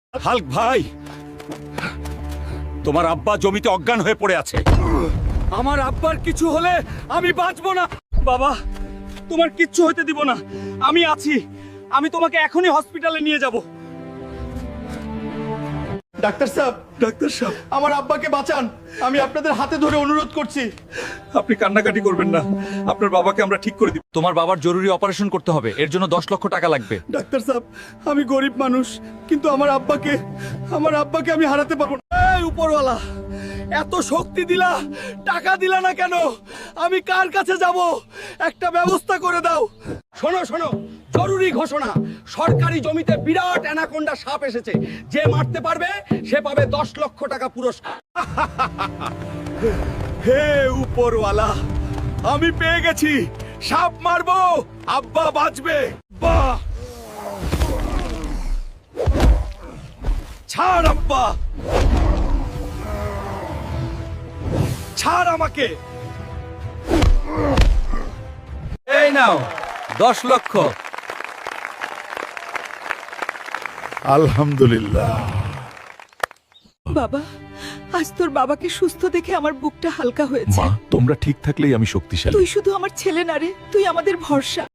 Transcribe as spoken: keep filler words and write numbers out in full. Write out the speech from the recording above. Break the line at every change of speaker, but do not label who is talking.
Hulk ভাই, তোমার আব্বা জমিতে অজ্ঞান হয়ে পড়ে আছে। আমার আব্বার কিছু হলে আমি বাঁচবো না। বাবা, তোমার কিচ্ছু হইতে দিব না, আমি আছি। আমি তোমাকে এখনই হসপিটালে নিয়ে যাব।
ডাক্তার সাহেব,
ডাক্তার সাহেব,
আমার আব্বাকে বাঁচান। আমি আপনাদের হাতে ধরে অনুরোধ করছি।
আপনি কান্নাকাটি করবেন না, আপনার বাবাকে আমরা ঠিক করে দিব।
তোমার বাবার জরুরি অপারেশন করতে হবে, এর জন্য দশ লক্ষ টাকা লাগবে।
ডাক্তার সাহেব, আমি গরিব মানুষ, কিন্তু আমার আব্বাকে আমার আব্বাকে আমি হারাতে পারবো না।
এই উপরওয়ালা, এত শক্তি দিলা, টাকা দিলা না কেন? আমি কার কাছে যাব? একটা ব্যবস্থা করে দাও। শোনো শোনো, জরুরি ঘোষণা, সরকারি জমিতে বিরাট অ্যানাকোন্ডা সাপ এসেছে। যে মারতে পারবে সে পাবে দশ লক্ষ টাকা পুরস্কার। হে উপরওয়ালা, আমি পেয়ে গেছি। সাপ মারবো, আব্বা বাঁচবে। বাহ, ছাড় আব্বা, ছাড় আমাকে।
এই নাও দশ লক্ষ।
আলহামদুলিল্লাহ।
বাবা, আজ তোর বাবাকে সুস্থ দেখে আমার বুকটা হালকা হয়েছে।
মা, তোমরা ঠিক থাকলেই আমি শক্তিশালী।
তুই শুধু আমার ছেলে না রে, তুই আমাদের ভরসা।